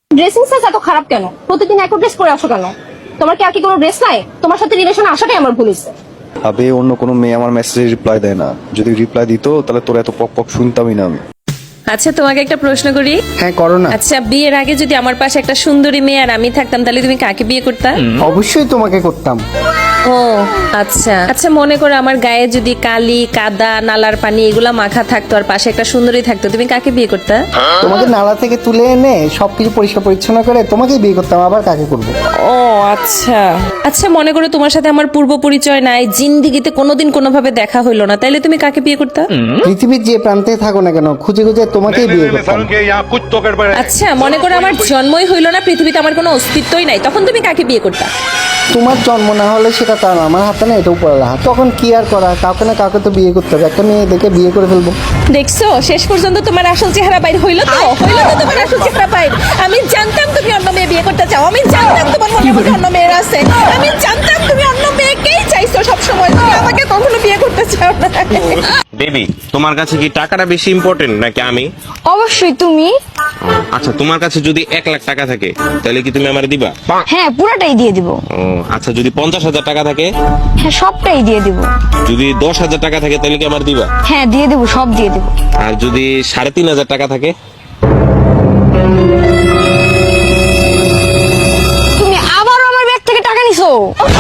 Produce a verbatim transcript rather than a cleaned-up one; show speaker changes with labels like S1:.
S1: Dressing sense এত খারাপ কেন? প্রতিদিন এক ড্রেস পরে আসো কেন? তোমার কি আর কি কোনো ড্রেস নাই? তোমার সাথে রিলেশন আসাটাই আমার ভুল হয়েছে।
S2: আবে অন্য কোনো মেয়ে আমার মেসেজে রিপ্লাই দেয় না, যদি রিপ্লাই দিত তাহলে তোর এত পক পক শুনতামই না আমি।
S3: আচ্ছা তোমাকে একটা প্রশ্ন করি।
S4: হ্যাঁ করো না।
S3: আচ্ছা বিয়ের আগে যদি আমার পাশে একটা সুন্দরী মেয়ে আর আমি থাকতাম তাহলে তুমি কাকে বিয়ে করতা?
S4: অবশ্যই তোমাকে করতাম।
S3: ও আচ্ছা আচ্ছা মনে করো আমার গায়ে যদি কালি কাদা নালার পানি এগুলা মাখা থাকতো আর পাশে একটা সুন্দরী থাকতো, তুমি কাকে বিয়ে করতা?
S4: তোমাকে নালা থেকে তুলে এনে সবকিছু পরিষ্কার পরিচ্ছন্ন করে তোমাকেই বিয়ে করতাম, আবার কাকে করবো?
S3: ও আচ্ছা আচ্ছা মনে করো তোমার সাথে আমার পূর্ব পরিচয় নাই, জিন্দিগিতে কোনোদিন কোনোভাবে দেখা হইলো না, তাইলে তুমি কাকে বিয়ে করতা?
S4: পৃথিবীর যে প্রান্তে থাকো না কেন খুঁজে খুঁজে তোমাকেই বিয়ে করতাম।
S3: আচ্ছা মনে করো আমার জন্মই হইলো না, পৃথিবীতে আমার কোনো অস্তিত্বই নাই, তখন তুমি কাকে বিয়ে করতা?
S4: তোমার জন্ম না হলে সেটা তার না, আমার হাতে না এটা উপরে হাত, তখন কি আর করা, কাউকে না কাউকে তো বিয়ে করতে হবে, একটা মেয়ে দেখে বিয়ে করে ফেলবো।
S3: দেখছো শেষ পর্যন্ত তোমার আসল চেহারা বাইর হইলো তো হইলো তো তোমার আসল চেহারা বাইর। আমি জানতাম তুমি অন্য মেয়ে বিয়ে করতে চাও, আমি জানতাম তোমার মনে মধ্যে অন্য মেয়ের আছে, আমি জানতাম তুমি অন্য মেয়েকেই চাইছো সব সময়, তুমি আমাকে কখনো বিয়ে করতে চাও না।
S5: বেবি তোমার কাছে কি টাকাটা বেশি ইম্পর্টেন্ট নাকি আমি?
S1: অবশ্যই তুমি।
S5: আচ্ছা তোমার কাছে যদি এক লাখ টাকা থাকে তাহলে কি তুমি আমার দিবা?
S1: হ্যাঁ পুরোটাই দিয়ে দিব।
S5: ও আচ্ছা যদি পঞ্চাশ হাজার টাকা থাকে?
S1: হ্যাঁ সবটাই দিয়ে দিব।
S5: যদি দশ হাজার টাকা থাকে তাহলে কি আমার দিবা?
S1: হ্যাঁ দিয়ে দিব, সব দিয়ে দিব।
S5: আর যদি সাড়ে তিন হাজার টাকা থাকে?
S1: তুমি আবারও আমার ব্যাগ থেকে টাকা নিছো।